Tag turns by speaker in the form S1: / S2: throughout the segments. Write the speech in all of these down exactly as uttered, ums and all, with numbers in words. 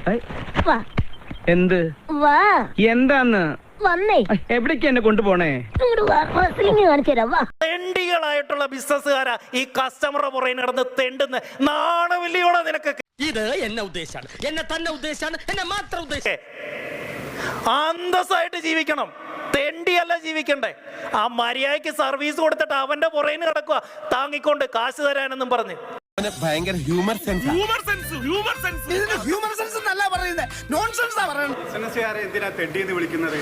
S1: എന്ത് എന്താന്ന്
S2: വന്നേ
S1: എവിടേക്ക് എന്നെ കൊണ്ടുപോണേ?
S3: തെണ്ടികളായിട്ടുള്ള ബിസിനസ്സുകാരാ ഈ കസ്റ്റമറുടെ പുറകെ നടന്ന് തെണ്ടുന്ന നാണമില്ലയോടെ നിനക്ക്.
S4: ഇത് എന്നെ ഉദ്ദേശാണ്, എന്നെ തന്നെ ഉദ്ദേശാണ്, എന്നെ മാത്രം ഉദ്ദേശം.
S3: അന്തസ്സായിട്ട് ജീവിക്കണം, തെണ്ടിയല്ല ജീവിക്കണ്ടേ. ആ മര്യാദയ്ക്ക് സർവീസ് കൊടുത്തിട്ട് അവന്റെ പുറകെ കിടക്കുക താങ്ങിക്കൊണ്ട് കാശ് തരാനെന്നും പറഞ്ഞ്.
S5: ഭയങ്കര ഹ്യൂമർ സെൻസ്.
S6: എന്തിനാ തെണ്ടിന്ന് വിളിക്കുന്നത്?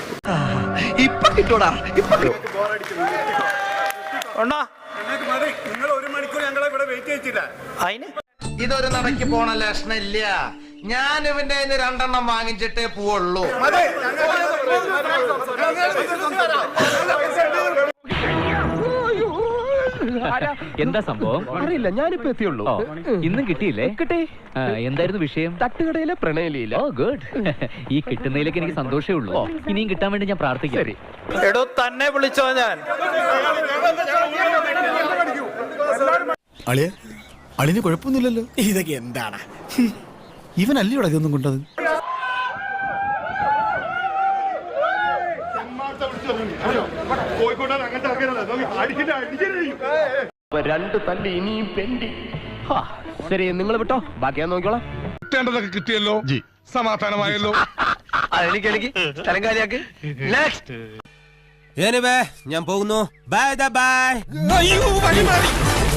S6: നിങ്ങൾ ഒരു മണിക്കൂർ ഞങ്ങളെ ഇവിടെ വെയിറ്റ് ചെയ്യിച്ചില്ല.
S3: അതിന്
S5: ഇതൊരു നടക്ക് പോണ ലക്ഷണില്ല. ഞാൻ ഇവന്റെ രണ്ടെണ്ണം വാങ്ങിച്ചിട്ടേ പോവുള്ളൂ.
S1: എന്താ സംഭവം അറിയില്ല, ഞാനിപ്പോ എത്തിയുള്ളൂ. ഇന്നും കിട്ടിയില്ലേ? കിട്ടി. എന്തായിരുന്നു വിഷയം? തട്ടുകടയിലെ പ്രണയലിയില്ല. Oh good. ഈ കിട്ടുന്നതിലേക്ക് എനിക്ക് സന്തോഷമേ ഉള്ളൂ. ഇനിയും കിട്ടാൻ വേണ്ടി ഞാൻ പ്രാർത്ഥിക്കാം.
S3: എടോ തന്നെ വിളിച്ചോ ഞാൻ.
S7: അളിയ അളിന് കുഴപ്പമൊന്നുമില്ലല്ലോ.
S5: ഇതൊക്കെ എന്താണ്?
S7: ഇവനല്ലേ ഇവിടെ ഇതൊന്നും കൊണ്ടത്?
S5: രണ്ട് തല്ലി ഇനിയും പെണ്ടി. ശരി, നിങ്ങൾ വിട്ടോ, ബാക്കി ഞാൻ നോക്കിക്കോളാം.
S6: കിട്ടേണ്ടതൊക്കെ കിട്ടിയല്ലോ, സമാധാനമായല്ലോ.
S5: എനിക്ക് എനിക്ക് സ്ഥലം കാലിയാക്ക്. നെക്സ്റ്റ്
S4: ഞാൻ പോകുന്നു. Bye by.